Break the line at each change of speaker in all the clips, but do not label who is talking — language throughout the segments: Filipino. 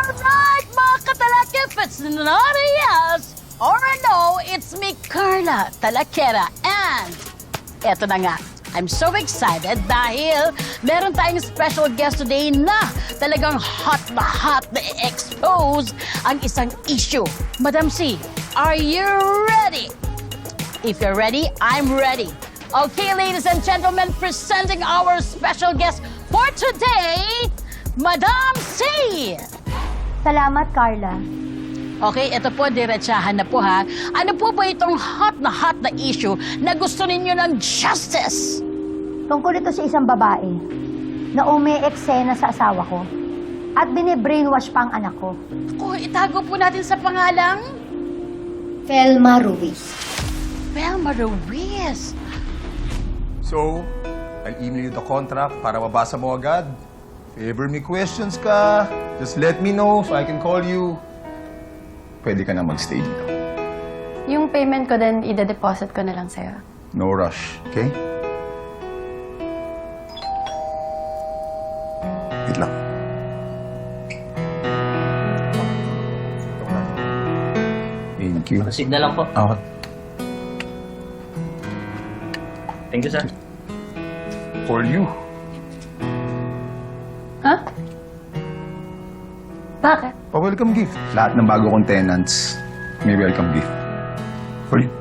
Alright, mga katalaki, if it's not a yes or a no, it's me, Carla Talakera. And eto na nga, I'm so excited dahil meron tayong special guest today na talagang hot na i-expose ang isang issue. Madam C, are you ready? If you're ready, I'm ready. Okay, ladies and gentlemen, presenting our special guest for today, Madam C!
Salamat, Carla.
Okay, ito po, diretsahan na po ha. Ano po ba itong hot na issue na gusto ninyo ng justice?
Tungkol ito sa isang babae na umi-eksena sa asawa ko at bine-brainwash pa ang anak ko.
Oh, itago po natin sa pangalang
Felma Ruiz.
Velma Ruiz.
So, I'll email you the contract para mabasa mo agad. If ever may questions ka, just let me know so I can call you. Pwede ka na magstay dito.
Yung payment ko din, ida-deposit ko na lang sa'yo.
No rush, okay? Wait lang. Thank you.
Proceed na lang po.
Okay.
Thank you, sir.
For you.
Ha? Bakit?
Pa-welcome gift. Lahat ng bago kong tenants, may welcome gift. For you.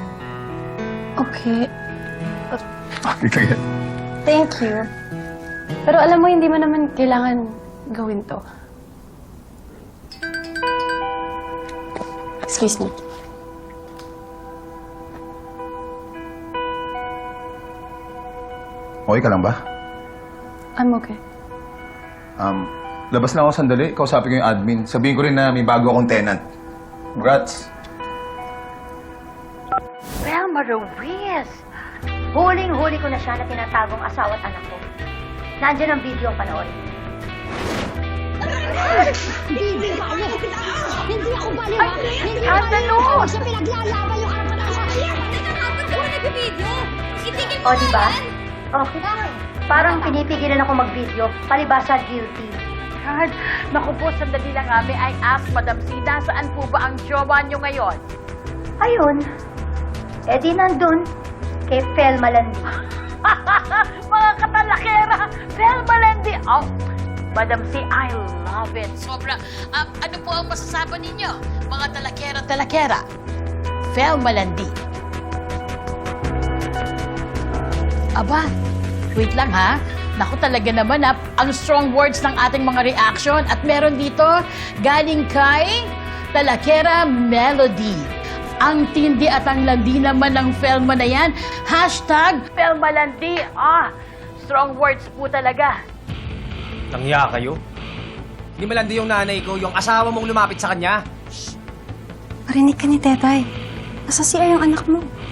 Okay.
Okay ka yan.
Thank you. Pero alam mo, hindi mo naman kailangan gawin to. Excuse me.
Okay ka lang ba?
I'm okay.
Labas lang ako sandali. Kausapin ko yung admin. Sabihin ko rin na may bago akong tenant. Congrats.
Velma Ruiz.
Huling-huli ko na siya na tinatagong asawa at anak ko. Nandiyan ang video ang panoorin.
Hindi ako baliw, ha? Hindi
Skandalo!
ako sa pinaglalaban yung anak ko. Dapat ko nag-video. Itigil
O, di ba? Okay. Parang pinipigilan ako mag-video, palibasa guilty.
God, naku po, sandali lang ha. May I ask, Madam C, nasaan po ba ang jowa nyo ngayon?
Ayun. Eh di nandun, kay Felma Landi.
Mga katalakera, Velma Lendi. Oh, Madam C, I love it. Sobra. Ano po ang masasabi ninyo, mga talakera? Velma Lendi. Aba, wait lang ha. Naku talaga naman ha, ang strong words ng ating mga reaction. At meron dito, galing kay Talakera Melody. Ang tindi at ang landi naman ng Felma na yan. Hashtag Felma Landi. Strong words po talaga.
Nangya kayo? Hindi malandi yung nanay ko, yung asawa mong lumapit sa kanya.
Marinig ka ni Tetay. Nasa CR yung anak mo.